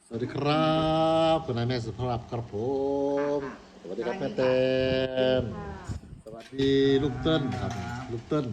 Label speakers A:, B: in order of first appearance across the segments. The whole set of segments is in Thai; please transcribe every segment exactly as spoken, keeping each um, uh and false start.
A: สวัสดีครับคุณนายแม่สุภาพครับผมสวัสดีครับแม่เต็มสวัสดีลูกเติ้ลครับลูกเติ้ล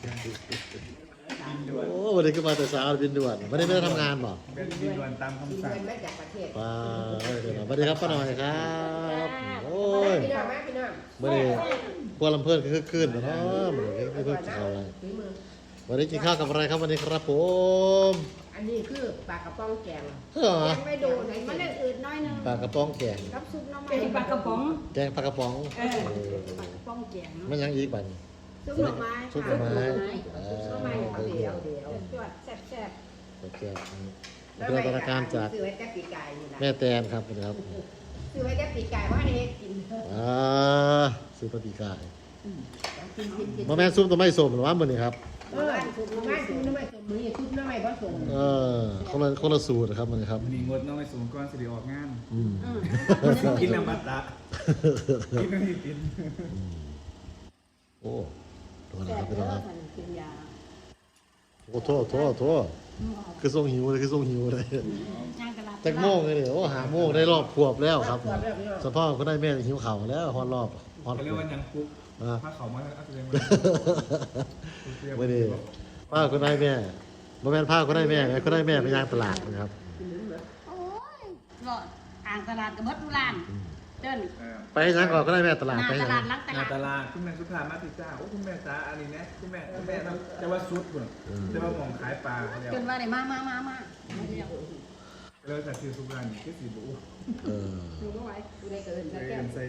A: โอ้วันนี้ก็มาแต่เช้าบินด่วนไม่ได้ไม่ได้ทำงานหรอ
B: เป็นบินด่วนตามคำสั่ง
C: เงินมาจากประเทศ
A: ป้าสวัสดีครับป้าหน่อยครับโอ้ย
C: พี่น้องมาพี่น้อง
A: ไม่ได้พวกลำเพื่อนก็คือคืนนะเนาะไม่ได้ไม่เพิ่งกินข้าวอะไร
C: ฝีมือ
A: วันนี้กินข้าวกับอะไรครับวันนี้ครับผม
C: อันนี้คือปลากระป๋องแกง
A: เออ
C: แกงไม่โดนไหน
D: มั
C: มัน น
D: ได้อืดน้อยนึง
A: ปลากระป๋องแกง
D: กับซุปน้ำมัน
C: เป็นปลากระป๋อง
A: แกงปลากระป๋อง
D: เออปลากระป๋องแกง
A: มันยังอีกบัน
D: ซุปหน่อไม้
A: ซุปหน่อไม้
C: ซุปหน่อไม้เดี๋ยวเดี๋ยว
D: จวดแซ่บ
A: แกงเป็นพัฒนาการจาก
C: ซื้อไว้แต่ปีกายนี่นะ
A: แม่แตนครับนะครับ
C: ซื้อไว้แต่ปีกายว่าให้กิน
A: อ่าซุปปฏิกาย
C: กินกินกิน
A: มาแม่ซุปตัวไม่สมหรือว่ามันนี่ครับ
C: เออซุปน้ำไม้ซุปน้ำไม้ซุปมือซุปน้ำไม้ผสม
A: เออคนละคนละสูตรครับมันนี่ครับ
B: มีงดน้องไปสูงก้อนสิริออกงาน
A: อืม
D: ๆอืม
B: กินน้ำมัตตะกินไม่กิน
A: โอ้ตัวนะ
D: แซ่
A: ครับ บพี่
D: เด้
A: น้อง
D: อ
A: ครับ
D: มันกินยา
A: โอ้โทษโทษโทษคือทรงหิวเลยคือทรงหิวเลย
D: ย่างตลาด
A: จักโมงเลยเดี๋ยวโอ้หาโมงได้รอบขวบแล้วครับสภาพก็ได้แม่หิวเข่าวแล้วฮอดรอบฮอด
B: เขา
A: ข
B: เรียว ก
A: บ
B: ว่ายังปุ๊บ
A: อ่า
B: ถ้าเขามาอัพเลยมา
A: ไม่ได้ป้าก็ได้แม่บ่แม่นผ้าก็ได้แม่แม่ก็ได้แม่ไปย่างตลาดนะครับ
D: โอ้ยหลอดอ่างตลาดกับเบิดทุลานเดิน
A: ไปย่างก่อนก็ได้แม่ตลาด
D: หน้า
A: ไป
D: ต
A: ย่าง
D: ลาดหลังต
B: นา
D: ลาด
B: ตลาดคุณแม่สุภามาติจ้าโอ้คุณแม่จ้าอันนี้นะคุณแม่คุณแม่จะว่าซุดบุญจะว่าหมองขายปลาแล้ว
D: จนว่าได้มามามามาเดียว
B: แล้วแต่คือสุภานี่คือสีบุ
A: เออ
D: ดูไม่ไหว
C: กูได้เกิน
B: ใส่
C: แก้ว
B: ใส่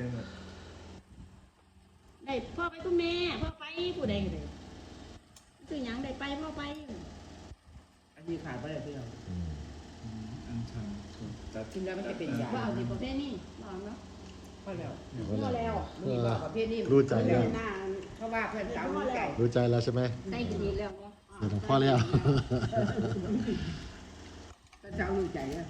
D: ได้พ่อไปคุณแม่พ่อไปผู้ใดก็ได้คือหยังได้ไปพ่อไป
C: อันนี้ขายไปเลยพี่น้อง
A: อืม
B: อันชันจัด
C: กินแล้วมันจะเป็นยา
D: ว่าเอาดีประเภทนี้ลองเนาะ
C: พอแล้ว
D: พอแล้ว
C: มีบอกประเภทนี้
A: รู้ใจ
D: เดิ
A: แล้ว
D: นหน้า
C: เพราะว่าเพื่อนสาวรู้ใจ
A: รู้ใจแล้วใช่ไหม
D: ได้กินดีแล้วเนาะ
A: เดี๋ยวพ่อแล้ว
C: เพื่อนสาวรู้ใจเนี่ย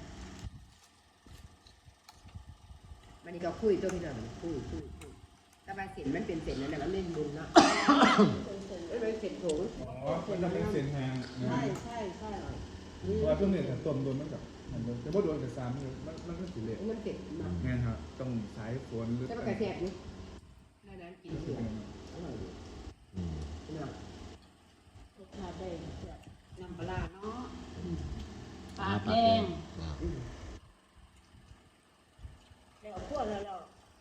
C: มันนี่ก็คุยตัวพี่น้องคุยคุยคุยแต่ว่าเส้นมันเป็นเส้นนั่นแหละมันเล่นบุญเนาะมันเป็นเส้นถุง
B: อ๋อมันจะเป็นเส้นแห้ง
D: ใช่ใช่ใช่
B: เพราะว่าช่วงนี้ถ้าต้มโดนมันกับมันจะว่าโดนกับซ้ำมันมันก็สิเละ
C: มันเส้นเนาะ
B: งานครับต้องใช้ฝนหรือ
C: แต่มันกระแสบนี่นั่นนั้นกินเสียอร่อยดี
A: อืม
C: เนาะ
D: รสชาติได้น้ำปลาเนาะปลา
A: ปลา
D: แด
A: แด
D: ง
A: ง
D: แล้วพวกแล้วเรา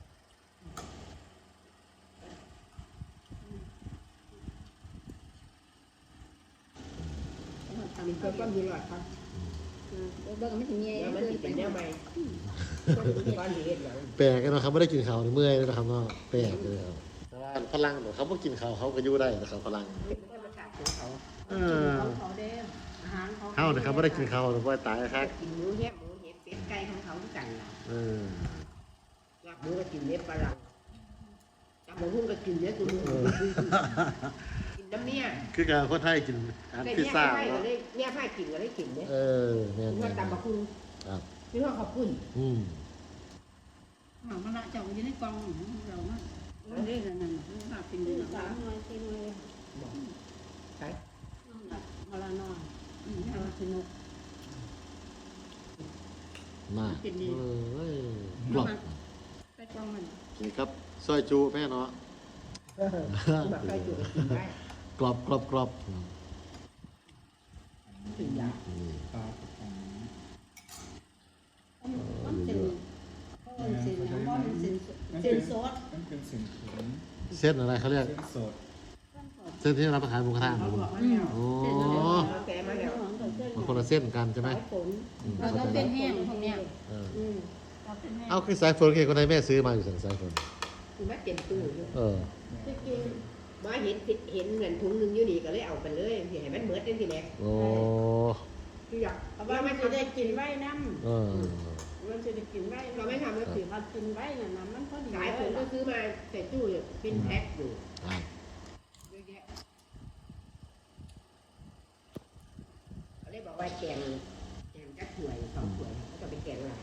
C: มีเพื่อนก็มีหลอดครับ
D: เบิ่งไม่ถึงเงี้ย
C: แล้วมันติดเป็นแนวใหม่ก้อนเห็ดหลัง
A: แปลกเลยนะครับไม่ได้กินข้าวในเมื่อยเลยนะครับเนาะแปลกเลยครับแต่ว่าพลังเขาไม่กินข้าวเขาก็อยู่ได้นะครับพลัง
C: เป็นธรรมชาติของเขา
A: เออ
D: เขาเขาเด้อาหารเขา
A: เขานะครับไม่ได้กินข้าวหรือว่าตายครับ
C: กินหมูแฮะหมูเห็ดเป็ดไก่ของเขาทุกกันล่ะ
A: เออ
C: ลาบหมูก็กินเล็บปลาหลังจับหมูหุ้งก็กินเนื้อตัวมูกินน้ำเมีย
A: คือการคนไทยกินอาหาร
C: แต่
A: พิซ
C: เนี่ย
A: ซ่า
C: ไผ่ก็
A: เนาะ
C: เลยเนี่ยไผ่กินก็เลยกินเนี่ย
A: เออแม่น
C: พี่ว่าตำบักหุ่ง
A: ครับ
C: พี่ว่าขอบคุณ
A: อืม
D: หมาละเจ้าอยู่ในกล่องเราเนาะเราได้นั่นนั่นเราเป็นเดือนสามหน่วยสี่หน่วย
C: บอกใช่
D: มาละน้อยอืมเราสนุก
A: มาก
D: กินดี
A: เออกรอบ
D: ไปกล่องมัน
A: นี่ครับซอยจูแม่เนาะ
C: แบบไก่จุกกินได้
A: กรอบกรอบกรอบอืม
C: ถึงยา
A: นี่
B: ปลากระป๋อง
D: มันเป็นเพราะมันเป็นน้ำมันเป็นเป็นซอส
B: มันเป็นเส้นถุง
A: เส้นอะไรเขาเรียก
B: เส้นสด
A: เส้นที่รับประทานหมูกระทะ
C: เขา
A: ครับ
C: บอกมาแล้ว
A: โอ้
C: เราแกมาแล้ว
A: มันคนละเส้นกันใช่ไหม
C: สายฝน
A: อืม
D: เราต้องเป็นแห้งพวกเนี้ย
A: เออ
C: อืม
D: เราเป็นแห้ง
A: เอาคือสายฝนคือคนไทยแม่ซื้อมาอยู่สั่งสายฝน
C: คือว่าเต็มตู้อยู่
A: เออ
D: จะกิน
C: มาเห็นเห็นเงินถุงหนึงอยู่นี่ก็เลยเอาไปเลยสิให้มันเหมือนกันทีแรก
A: โอ้
C: คืออยาก
D: เพราะว่ามันจะได้กินไว้น้
A: เออ
D: ำมันจะได้กินไว้เราไม่ทำแล้วถือว่ากินไว้น่ะน้ำมันพอดี
C: สายฝนก็ซื้อมาใส่ตู้อยู่เป็นแพ็คอยู่
A: ครับ
C: เยอะแยะเขาเลยบอกว่าแกงแกงจักถ้วยสองถ้วยเขาจะไปแกงหลาย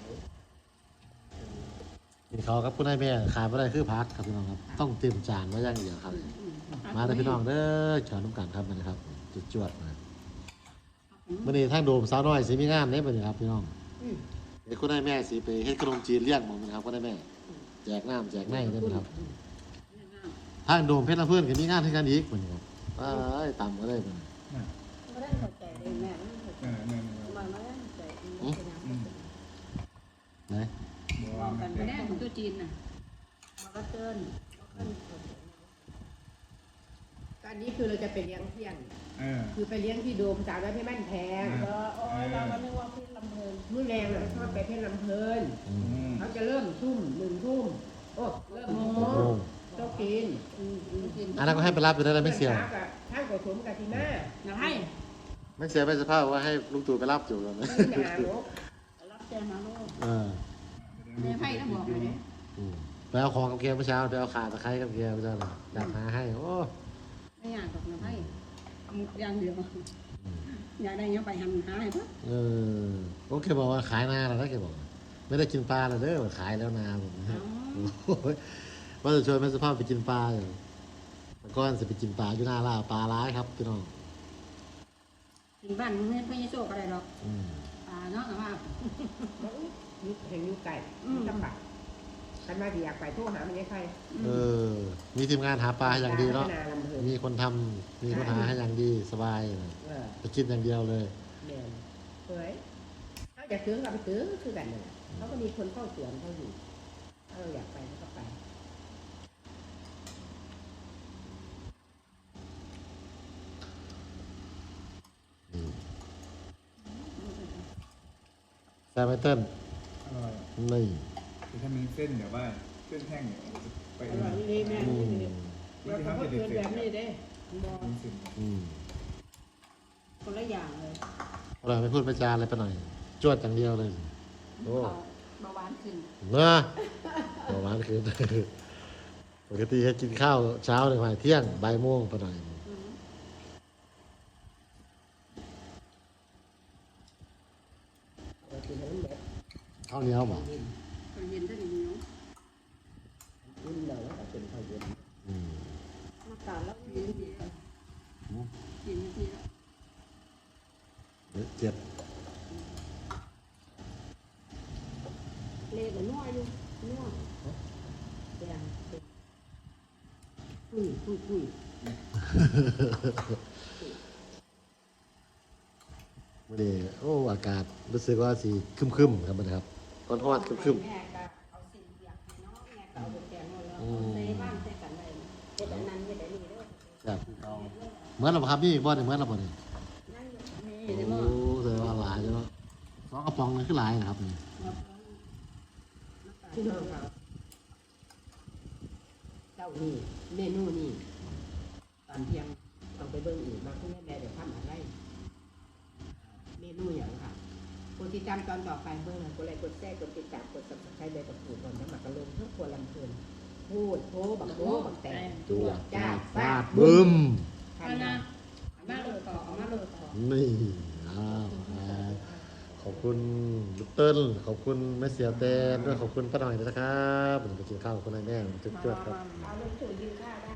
A: กินข้าวครับคุณนายแม่ขาดไม่ได้คือพักครับพี่น้องครับ ต้องเตรียมจานไว้อย่างเดียวครับ มาเลยพี่น้องเด้อเชิญน้ำกันครับมันนะครับจุดจวดนะมื่อนี้ทางโดมสาวน้อยสิมีงานเด้มื่อนี้ครับพี่น้อง
C: อืม
A: เห็นไอ้คนได้แม่สิไปเฮ็ดขนมจีนเลี้ยงหมดนะครับก็ได้แม่แจกน้ำแจกไนได้ไหมครับทางโดมเพชรลำเพื่อนก็มีงานที่กันอีกเหมือนกันว้ายต่ำก็ได้เหมือน
D: ไม่ได้เข้าใจเลยแม่ไม่เข้าใจ
B: เออเนี่ย
D: มันไม่ได้เข้าใจ
A: ไหน
D: มองกันไปได้ของตัวจีนน่ะมันก็เตือน
C: อันนี้คือเราจะไปเลี้ยงเที่ยง
B: เออ
C: คือไปเลี้ยงที่โดมสาวน้อยเพชรบ้านแพง
D: เออโอ้ยเราก็นึกว่าพี่ลำเพลิน
C: มื้อแรงอ่ะชอบไปเพชรลำเพลิน
A: อืม
B: อืม
C: เขาจะเริ่มทุ่มหนึ่งทุ่มโอ้เริ่มหกโม
A: โอ้
C: งต้องกิน
D: อืมอืมกิน
A: อันนั้นก็ให้ไปรับอยู่ได้แล้วไม่เสีย
C: ช้ากับข้างกับสมกับทีน่า
D: นะให้
A: ไม่เสียไม่สภาพว่าให้ลุงตู่ไปรับอยู่แล้วนะ
C: ไม่หนาหรอก
D: รับแจ้งมาโลก
A: เออ
D: แม่ไพ่ก็บอกเลยเนี่ย
A: อืมไปเอาของกับเกียร์เมื่อเช้าไปเอาขาตะไคร้กับเกียร์เมื่อเช้าน่ะอยากหาให้โอ้
D: ไม่อยากกับนะไพ่อย่างเดียวอยากได้เงี้ยไปหันหาให้ปะ
A: เออโอเคบอกว่าขายนาแล้วนะแกบอกไม่ได้กินปลาแล้วเด้อขายแล้วนาผมนะโอ้ยว่าจะชวนแม่สภาพไปกินปลาอยู่แต่ก่อนจะไปกินปลาอยู่หน้าล่าปลาร้ายครับพี่น้อง
D: ถึงบ้านมึงเนี่ยไม่ใช่โชคอะไรหรอก
A: อืม
D: อ่าเนาะแต่ว่า
C: ยุคแห่งยุคไก่
D: อืม
C: ลำบากกันมาดีอยากไปโทรหามันยังใคร
A: เออ มีทีมงานหาปลาให้อย่างดีเนาะ
C: พัฒลำเพลิน
A: มีคนทำมีคนหาให้อย่างดีสบาย
C: เออ
A: ไปกินอย่างเดียวเลย
C: แมนเฮ้ยเขาอยากซื้อก็ไปซื้อคือกันนั่นแหละเขาก็มีคนเข้าสวนเขาอยู่ถ้าเราอยากไปเขาก็ไป
A: แซมไมเติ้ล
B: อร่อย
A: นี่
B: คือถ้ามีเส้นแบบว่าเส้นแห้งเนี่ยไป
D: อ
B: เอง
D: ร่อยดีแม่
A: อืม
B: มัน
C: เรา
B: จะ
C: ก็
B: ทำ
C: เกิ
B: ให้
C: ด
B: เด็ด
C: แบบนี้เด้
D: บอก
B: มีเส้น
A: อืม
D: คนละอย่างเลย
A: เราไม่พูดไม่จาอะไรไปหน่อย จวดอย่างเดียวเลย โอ้
D: เบาหวานขึ้น
A: เนอะประมาณคืน ปกติให้กินข้าวเช้าเลยมาเที่ยงบ่ายโมงไปหน่อย
D: อืม
C: เรากินแล้วมันแบบ
A: ข้าวเหนียวบ่
C: เย็น
D: ตอนเย็นก็ดีเนาะ
C: อุ่นเราแล้วก็เป็นข้าวเย็น
A: อืม
D: อากาศแล้วเย็นดีเย็นดีแล้ว
A: เจ็บ
D: เละแต่นัวอยู่นัว
C: แดงคุยคุยคุย
A: วันนี้โอ้อากาศรู้สึกว่าสีครึมๆครับมันครับร้อนฮอดครึม
D: แม่ก็เอาสิ่งอยากให้น้องแม่ก็เอาแกงมาแล้วใส่บ้านใส่กันเลยเฮ็ดอันนั้นเฮ็ดอันนี้เด้อ
A: ๆแบบเหมือนเราบ่ครับนี่บ่เนี่ยเหมือนเราบ่เนี่ย
D: นั่นนี่
A: โอ้
D: ได้บ่
A: แสดงว่าหลายใช่ไหมสองกระป๋องนี่คือหลายนะครับนี่
C: พี่น้องครับเจ้านี่เมนูนี่ตอนเที่ยงต้องไปเบิ่งอีกมาคุณแม่แม่เดี๋ยวทำอะไร เมนูอย่างค่ะกดติดตามตอนต่อไปเบิ่งนะกดไลค์กดแชร์กดติดตามกด subscribe ใบกับปูดก่อนน้ำหมักกระลงเพื่อควรลำเพลินพูดโพบักโพบักแตง
A: จัว
C: จ้า
A: ฟา
C: ฟา
A: ด
C: ด
A: บึ้ม
C: ทัน
D: เอา
C: นะ
D: นะเอามาโลดต่อเอามาโลดต่อ
A: นี่อ้าวขอบคุณลูกเติ้ลขอบคุณแม่เสียแตนด้วยขอบคุณป้าหน่อยด้วยนะครับผมไปกินข้าวกับคุณนายแม่จุ๊บๆครับ
C: เอาลงถุงกินข้าวได้